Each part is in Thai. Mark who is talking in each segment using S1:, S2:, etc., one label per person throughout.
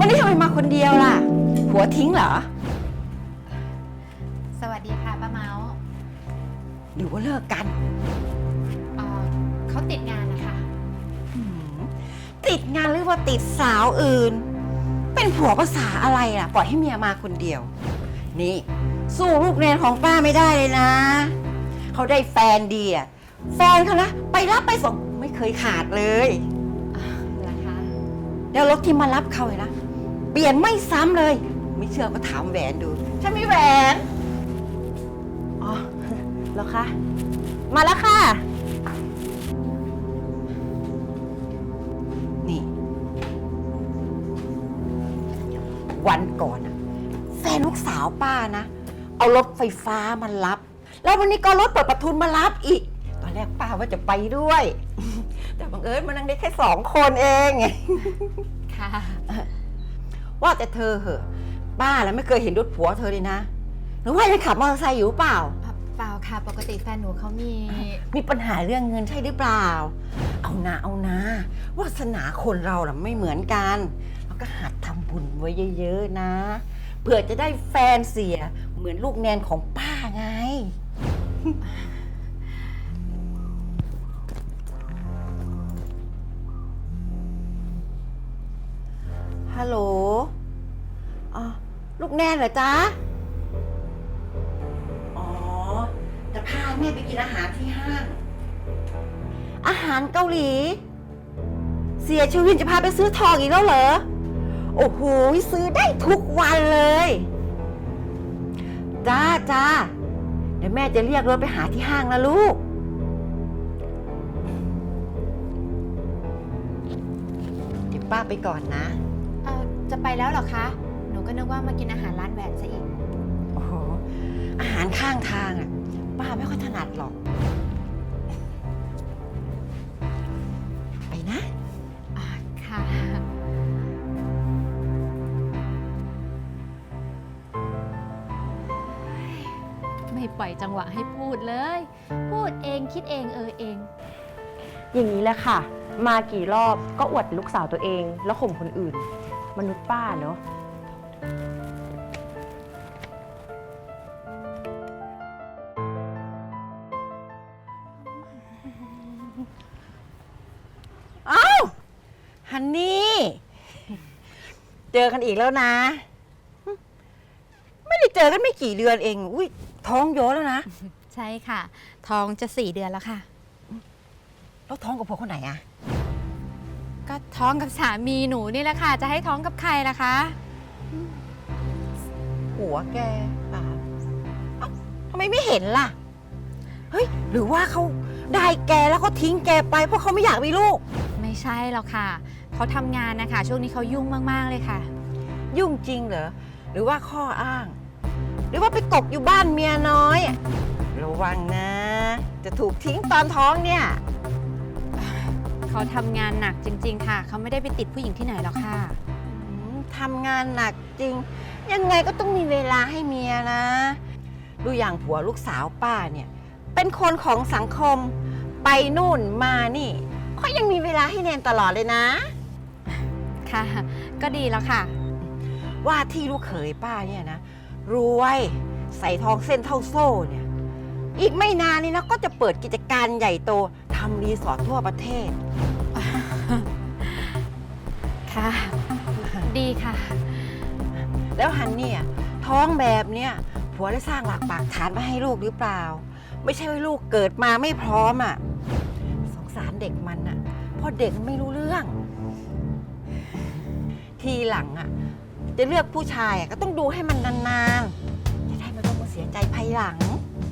S1: วันนี้ทำไมมาคนเดียวล่ะผัวทิ้งเหรอ
S2: สวัสดีค่ะป้าเมาส์
S1: หรือว่าเลิกกัน
S2: เขาติดงานนะคะ
S1: ติดงานหรือว่าติดสาวอื่นเป็นผัวภาษาอะไรล่ะปล่อยให้เมียมาคนเดียวนี่สู้ลูกเรียนของป้าไม่ได้เลยนะเขาได้แฟนดีอะแฟนเขานะไปรับไปส่งไม่เคยขาดเลย
S2: เหรอคะ
S1: แล้วรถที่มารับเขาเลยนะเปลี่ยนไม่ซ้ำเลยไม่เชื่อก็ถามแหวนดูฉันมีแหวนอ๋อเหรอคะมาแล้วค่ะนี่วันก่อนแฟนลูกสาวป้านะเอารถไฟฟ้ามารับแล้ววันนี้ก็รถเปิดประทุนมารับอีกตอนแรกป้าว่าจะไปด้วยแต่บังเอิญมันนั่งได้แค่2 คนเอง
S2: ค่ะ
S1: ว่าแต่เธอเหอะป้าแล้วไม่เคยเห็นรถผัวเธอเลยนะหรือว่ายังขับมอเตอร์ไซค์อยู่เปล่า
S2: เปล่าค่ะปกติแฟนหนูเขามี
S1: ปัญหาเรื่องเงินใช่หรือเปล่าเอานะวาสนาคนเราน่ะไม่เหมือนกันแล้วก็หัดทำบุญไว้เยอะๆนะเผื่อจะได้แฟนเสียเหมือนลูกแนนของป้าไงฮัลโหลอ๋อลูกแนนเหรอจ๊ะอ๋อจะพาแม่ไปกินอาหารที่ห้างอาหารเกาหลีเสียชีวิตจะพาไปซื้อทองอีกแล้วเหรอโอ้โหซื้อได้ทุกวันเลยจ้าเดี๋ยวแม่จะเรียกรถไปหาที่ห้างนะลูกเดี๋ยวป้าไปก่อนนะ
S2: จะไปแล้วเหรอคะหนูก็นึกว่ามากินอาหารร้านแหวนซะอีก
S1: โอ้โหอาหารข้างทางอ่ะป้าไม่ค่อยถนัดหรอกไปนะ
S2: ค่ะไม่ปล่อยจังหวะให้พูดเลยพูดเองคิดเองเอง
S3: อย่างนี้แหละค่ะมากี่รอบก็อวดลูกสาวตัวเองแล้วข่มคนอื่นมนุษย์ป้าเนาะ
S1: อ้าวฮันนี่เจอกันอีกแล้วนะไม่ได้เจอกันไม่กี่เดือนเองอุ้ยท้องโยแล้วนะ
S2: ใช่ค่ะท้องจะ4 เดือนแล้วค่ะ
S1: แล้วท้องกับผัวคนไหนอะ
S2: ก็ท้องกับสามีหนูนี่แหละค่ะจะให้ท้องกับใครล่ะคะ
S1: ผัวแกป่าทำไมไม่เห็นล่ะเฮ้ยหรือว่าเขาได้แกแล้วเขาทิ้งแกไปเพราะเขาไม่อยากมีลูก
S2: ไม่ใช่หรอกค่ะเขาทำงานนะคะช่วงนี้เขายุ่งมากๆเลยค่ะ
S1: ยุ่งจริงเหรอหรือว่าข้ออ้างหรือว่าไปกกอยู่บ้านเมียน้อยระวังนะจะถูกทิ้งตอนท้องเนี่ย
S2: เขาทำงานหนักจริงๆค่ะเขาไม่ได้ไปติดผู้หญิงที่ไหนหรอกค่ะ
S1: ทำงานหนักจริงยังไงก็ต้องมีเวลาให้เมียนะดูอย่างผัวลูกสาวป้าเนี่ยเป็นคนของสังคมไปนู่นมานี่เขายังมีเวลาให้แนนตลอดเลยนะ
S2: ค่ะก็ดีแล้วค่ะ
S1: ว่าที่ลูกเขยป้าเนี่ยนะรวยใส่ทองเส้นเท่าโซ่เนี่ยอีกไม่นานนี้นะก็จะเปิดกิจการใหญ่โตทำรีสอร์ททั่วประเทศ
S2: ค่ะดีค่ะ
S1: แล้วฮันเนี่ยท้องแบบเนี้ยผัวได้สร้างหลักปักฐานมาให้ลูกหรือเปล่าไม่ใช่ว่าลูกเกิดมาไม่พร้อมอ่ะสงสารเด็กมันอ่ะเพราะเด็กไม่รู้เรื่องทีหลังอ่ะจะเลือกผู้ชายก็ต้องดูให้มันนานๆจะได้ไม่ต้องมาเสียใจภายหลัง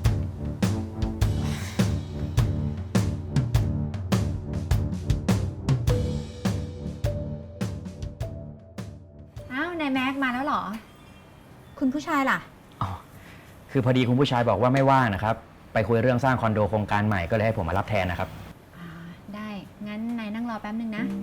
S2: นายแม็กมาแล้วเหรอคุณผู้ชายล่ะ
S4: อ๋อคือพอดีคุณผู้ชายบอกว่าไม่ว่างนะครับไปคุยเรื่องสร้างคอนโดโครงการใหม่ก็เลยให้ผมมารับแทนนะครับ
S2: ได้งั้นนายนั่งรอแป๊บนึงนะ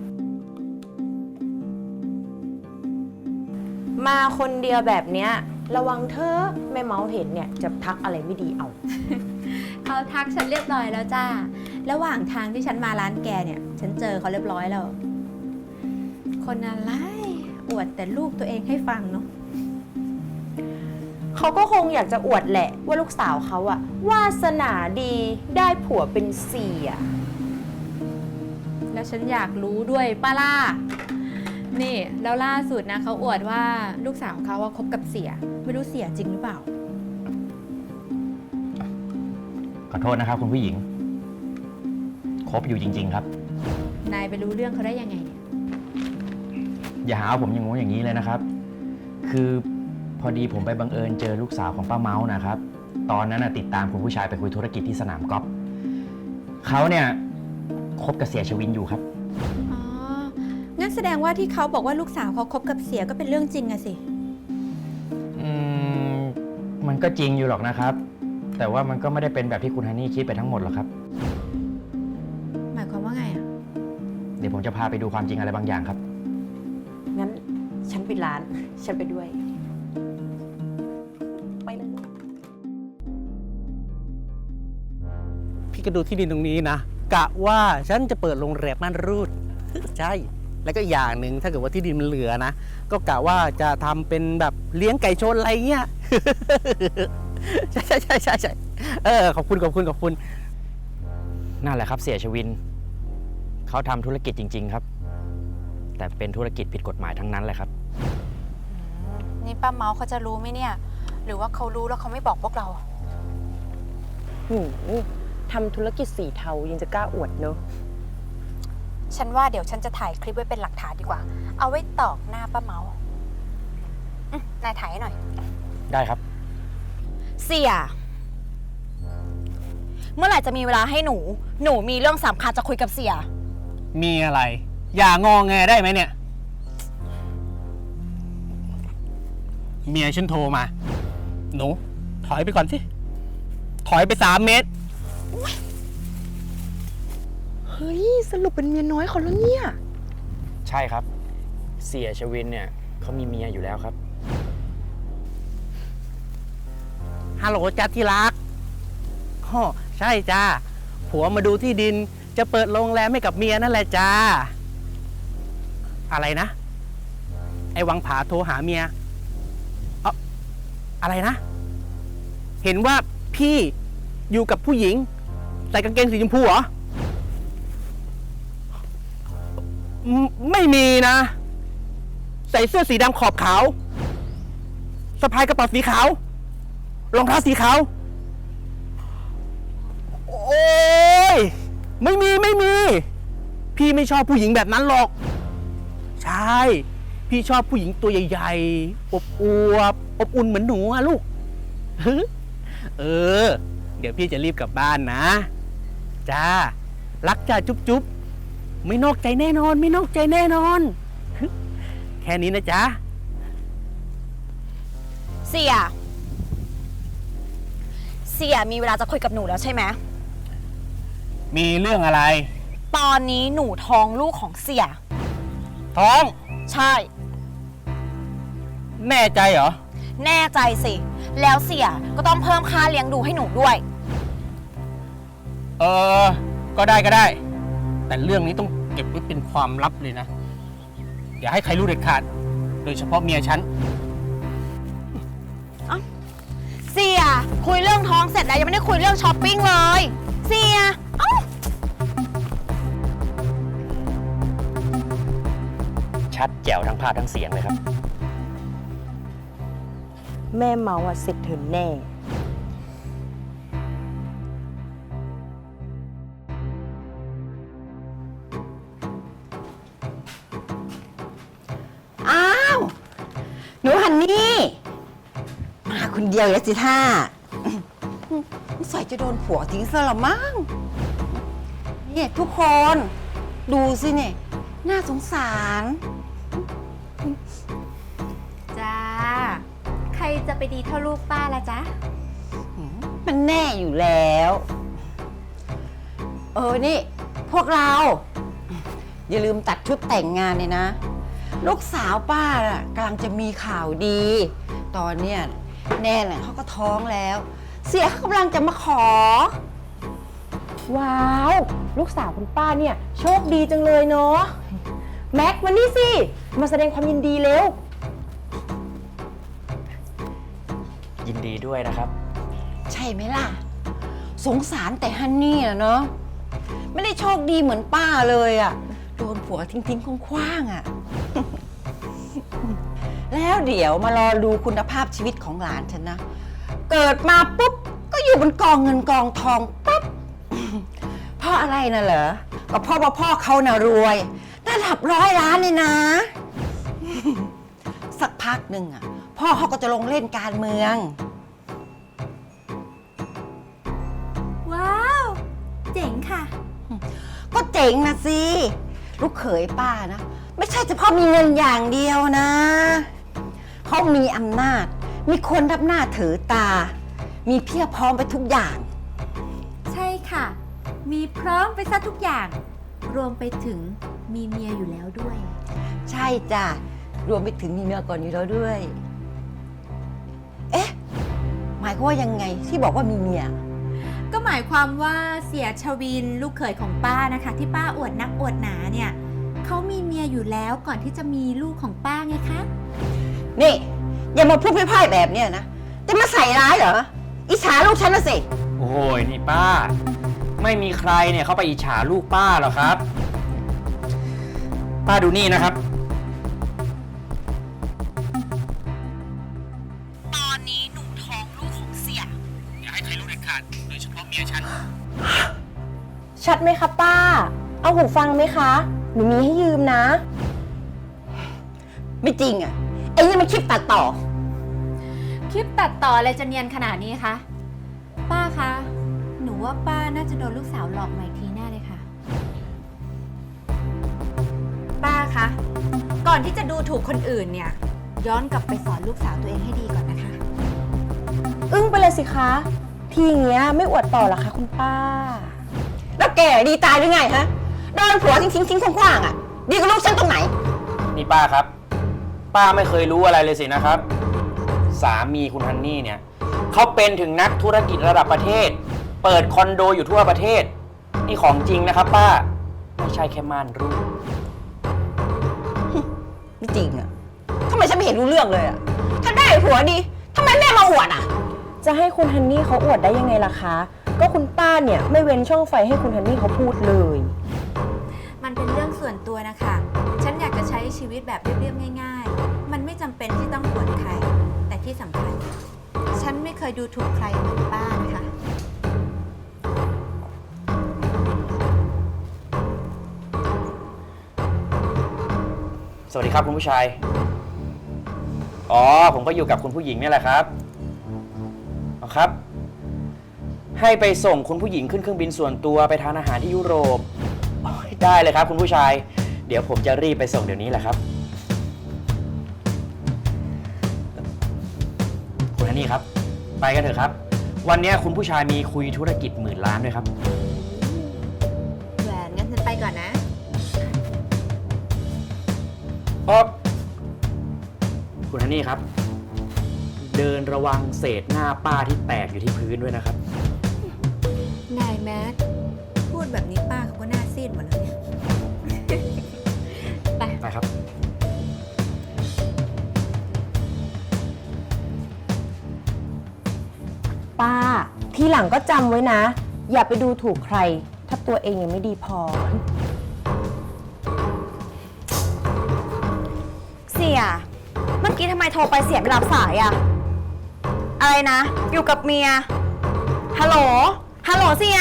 S3: มาคนเดียวแบบเนี้ยระวังเธอแม่เมาเห็นเนี่ยจะทักอะไรไม่ดีเอา
S2: เขาทักฉันเรียบร้อยแล้วจ้าระหว่างทางที่ฉันมาร้านแกเนี่ยฉันเจอเขาเรียบร้อยแล้วคนอะไรอวดแต่ลูกตัวเองให้ฟังเนาะ
S3: เขาก็คงอยากจะอวดแหละว่าลูกสาวเขาอะวาสนาดีได้ผัวเป็นเสีย
S2: แล้วฉันอยากรู้ด้วยป้าล่านี่แล้วล่าสุดนะเขาอวดว่าลูกสาวเขาว่าคบกับเสีย ไม่รู้เสียจริงหรือเปล่า
S4: ขอโทษนะครับคุณผู้หญิง คบอยู่จริง ๆ ครับ
S2: นายไปรู้เรื่องเขาได้ยังไงเนี่ย
S4: อย่าหาว่าผมอย่างงู้นอย่างนี้เลยนะครับ คือพอดีผมไปบังเอิญเจอลูกสาวของป้าเมาส์นะครับ ตอนนั้นติดตามคุณผู้ชายไปคุยธุรกิจที่สนามกอล์ฟเขาเนี่ยคบกับเสียชวินอยู่ครับ
S2: อ๋อ งั้นแสดงว่าที่เขาบอกว่าลูกสาวเขาคบกับเสียก็เป็นเรื่องจริงอะสิ
S4: มันก็จริงอยู่หรอกนะครับ แต่ว่ามันก็ไม่ได้เป็นแบบที่คุณฮันนี่คิดไปทั้งหมดหรอกครับ
S2: หมายความว่าไงอะ
S4: เดี๋ยวผมจะพาไปดูความจริงอะไรบางอย่างครับ
S3: งั้นฉันปิดร้าน ฉันไปด้วย ไปเลย
S5: พี่ก็ดูที่ดินตรงนี้นะ กะว่าฉันจะเปิดโรงแรมม่านรูด ใช่ แล้วก็อย่างหนึ่งถ้าเกิดว่าที่ดินมันเหลือนะ ก็กะว่าจะทำเป็นแบบเลี้ยงไก่ชนอะไรเงี้ย ใช่ใช่ใช่ใช่ใช่ขอบคุณขอบคุณขอบคุณ
S4: นั่นแหละครับเสียชวิน เขาทำธุรกิจจริง ๆ ครับ แต่เป็นธุรกิจผิดกฎหมายทั้งนั้นแหละครับ
S2: นี่ป้าเมาเขาจะรู้ไหมเนี่ย หรือว่าเขารู้แล้วเขาไม่บอกพวกเรา
S3: ทำธุรกิจสีเทายังจะกล้าอวดเนอะ
S2: ฉันว่าเดี๋ยวฉันจะถ่ายคลิปไว้เป็นหลักฐานดีกว่า เอาไว้ตอกหน้าป้าเมานายถ่ายให้หน่อย
S4: ได้ครับ
S6: เสีย เมื่อไหร่จะมีเวลาให้หนู หนูมีเรื่องสำคัญจะคุยกับเสีย
S5: มีอะไร อย่างอแงได้ไหมเนี่ย เมียฉันโทรมา หนู ถอยไปก่อนสิ ถอยไป3 เมตร
S3: เฮ้ย สรุปเป็นเมียน้อยเขาแล้วเนี่ย
S4: ใช่ครับ เสียชวินเนี่ยเขามีเมียอยู่แล้วครับ
S5: ฮัลโหลจ้าที่รักอ๋อใช่จ้า ผัวมาดูที่ดิน จะเปิดโรงแรมให้กับเมียนั่นแหละจ้า อะไรนะ ไอ้วังผาโทรหาเมียอะไรนะ เห็นว่าพี่อยู่กับผู้หญิง ใส่กางเกงสีชมพูเหรอ ไม่มีนะ ใส่เสื้อสีดำขอบขาวสะพายกระเป๋าสีขาว รองเท้าสีขาว โอ้ยไม่มี พี่ไม่ชอบผู้หญิงแบบนั้นหรอก ใช่ พี่ชอบผู้หญิงตัวใหญ่ๆ อบอวบอบอุ่นเหมือนหนูอะลูก เดี๋ยวพี่จะรีบกลับบ้านนะ จ้า รักจ้าจุ๊บๆ ไม่นอกใจแน่นอน ไม่นอกใจแน่นอน แค่นี้นะจ๊ะ
S6: เสียมีเวลาจะคุยกับหนูแล้วใช่ไหม
S5: มีเรื่องอะไร
S6: ตอนนี้หนูท้องลูกของเสีย
S5: ท้อง
S6: ใช่
S5: แน่ใจเหรอ
S6: แน่ใจสิ แล้วเสียก็ต้องเพิ่มค่าเลี้ยงดูให้หนูด้วย
S5: ก็ได้ แต่เรื่องนี้ต้องเก็บไว้เป็นความลับเลยนะ อย่าให้ใครรู้เด็ดขาด โดยเฉพาะเมียฉัน
S6: เสียคุยเรื่องท้องเสร็จแล้วยังไม่ได้คุยเรื่องช้อปปิ้งเลย เสียเอ้า
S4: ชัดแจ๋วทั้งภาพทั้งเสียงเลยครับ
S3: แม่เมาอะเสร็จเธอแน่
S1: อ้าว หนูฮันนี่ มาคนเดียวแล้วสิท่าใส่จะโดนผัวทิ้งซะละมั้งเนี่ยทุกคน ดูสิเนี่ยน่าสงสาร
S2: จ้า ใครจะไปดีเท่าลูกป้าละจ๊ะ
S1: มันแน่อยู่แล้ว นี่ พวกเรา อย่าลืมตัดชุดแต่งงานเลยนะ ลูกสาวป้าน่ะกำลังจะมีข่าวดี ตอนเนี้ยแน่แหละเขาก็ท้องแล้ว เสียเขากำลังจะมาขอ
S3: ว้าว ลูกสาวคุณป้าเนี่ย โชคดีจังเลยเนาะ แม็กมานี่สิมาแสดงความยินดีเร็ว
S4: ยินดีด้วยนะครับ
S1: ใช่ไหมล่ะ สงสารแต่ฮันนี่อะเนาะไม่ได้โชคดีเหมือนป้าเลยอะโดนผัวทิ้งๆคว้างๆอะ แล้วเดี๋ยวมารอดูคุณภาพชีวิตของหลานฉันนะ เกิดมาปุ๊บ ก็อยู่บนกองเงินกองทองปั๊บ เพราะอะไรน่ะเหรอ ก็เพราะว่าพ่อเขาน่ะรวยระดับ100 ล้านเลยนะ สักพักหนึ่งอะพ่อเขาก็จะลงเล่นการเมือง
S2: ว้าว เจ๋งค่ะ
S1: ก็เจ๋งนะสิ ลูกเขยป้านะ ไม่ใช่เฉพาะมีเงินอย่างเดียวนะ เขามีอำนาจ มีคนรับหน้าถือตา มีเพียบพร้อมไปทุกอย่าง
S2: ใช่ค่ะ มีพร้อมไปซะทุกอย่าง รวมไปถึงมีเมียอยู่แล้วด้วย
S1: ใช่จ้ะ รวมไปถึงมีเมียก่อนอยู่แล้วด้วย เอ๊ะ หมายความว่ายังไงที่บอกว่ามีเมีย
S2: ก็หมายความว่าเสียชวินลูกเขยของป้านะคะ ที่ป้าอวดนักอวดหนาเนี่ยเขามีเมียอยู่แล้วก่อนที่จะมีลูกของป้าไงคะ
S1: นี่ อย่ามาพูดพร่ายๆแบบเนี้ยนะ จะมาใส่ร้ายเหรอ อิจฉาลูกฉันนะสิ
S4: โอ้ยนี่ป้า ไม่มีใครเนี่ยเขาไปอิจฉาลูกป้าหรอกครับ ป้าดูนี่นะครับ
S6: ตอนนี้หนูท้องลูกของเสีย
S4: อย่าให้ใครรู้เด็ดขาดโดยเฉพาะเมียฉัน
S3: ชัดไหมคะป้า เอาหูฟังไหมคะ หนูมีให้ยืมนะ
S1: ไม่จริงอ่ะไอ้นี่มันคลิปตัดต่อ
S2: คลิปตัดต่ออะไรจะเนียนขนาดนี้คะ ป้าคะ หนูว่าป้าน่าจะโดนลูกสาวหลอกมาอีกทีแน่เลยค่ะ ป้าคะ ก่อนที่จะดูถูกคนอื่นเนี่ย ย้อนกลับไปสอนลูกสาวตัวเองให้ดีก่อนนะคะ
S3: อึ้งไปเลยสิคะ ทีอย่างเงี้ยไม่อวดต่อหรอคะคุณป้า
S1: แล้วแกดีตายหรือไงฮะโดนผัวทิ้งๆคว้างๆอ่ะ ดีกว่าลูกฉันตรงไหน
S4: นี่ป้าครับ ป้าไม่เคยรู้อะไรเลยสินะครับ สามีคุณฮันนี่เนี่ยเขาเป็นถึงนักธุรกิจระดับประเทศ เปิดคอนโดอยู่ทั่วประเทศ นี่ของจริงนะครับป้า ไม่ใช่แค่ม่านรูด
S1: ไม่จริงอ่ะทำไมฉันไม่เห็นรู้เรื่องเลยอ่ะ ถ้าได้ผัวดีทำไมแม่มาอวดอ่ะ
S3: จะให้คุณฮันนี่เขาอวดได้ยังไงล่ะคะ ก็คุณป้าเนี่ยไม่เว้นช่องไฟให้คุณฮันนี่เขาพูดเลย
S2: มันเป็นเรื่องส่วนตัวนะคะ ฉันอยากจะใช้ชีวิตแบบเรียบๆง่ายๆ มันไม่จำเป็นที่ต้องอวดใคร แต่ที่สำคัญ ฉันไม่เคยดูถูกใครเหมือนป้านะคะ
S4: สวัสดีครับคุณผู้ชาย อ๋อ ผมก็อยู่กับคุณผู้หญิงนี่แหละครับเอาครับ ให้ไปส่งคุณผู้หญิงขึ้นเครื่องบินส่วนตัวไปทานอาหารที่ยุโรปโอ้ยได้เลยครับคุณผู้ชาย เดี๋ยวผมจะรีบไปส่งเดี๋ยวนี้แหละครับ คุณฮันนี่ครับ ไปกันเถอะครับ วันนี้คุณผู้ชายมีคุยธุรกิจ10,000 ล้านด้วยครับ
S2: แหวนงั้นฉันไปก่อนนะ
S4: คุณฮันนี่ครับ เดินระวังเศษหน้าป้าที่แตกอยู่ที่พื้นด้วยนะครับ
S2: นายแมทพูดแบบนี้ป้าเขาก็หน้าซีดหมดแล้วเนี่ย ไป
S4: ไปครับ
S3: ป้า ทีหลังก็จำไว้นะ อย่าไปดูถูกใคร ถ้าตัวเองยังไม่ดีพอ
S6: เสีย เมื่อกี้ทำไมโทรไปเสียไม่รับสายอะอะไรนะ อยู่กับเมีย ฮัลโหล ฮัลโหลเสีย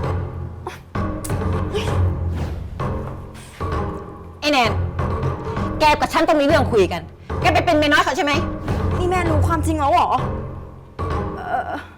S1: ไอ้แนน แกกับฉันต้องมีเรื่องคุยกัน แกไปเป็นเมียน้อยเขาใช่ไหม
S6: นี่แม่รู้ความจริงแล้วเหรอ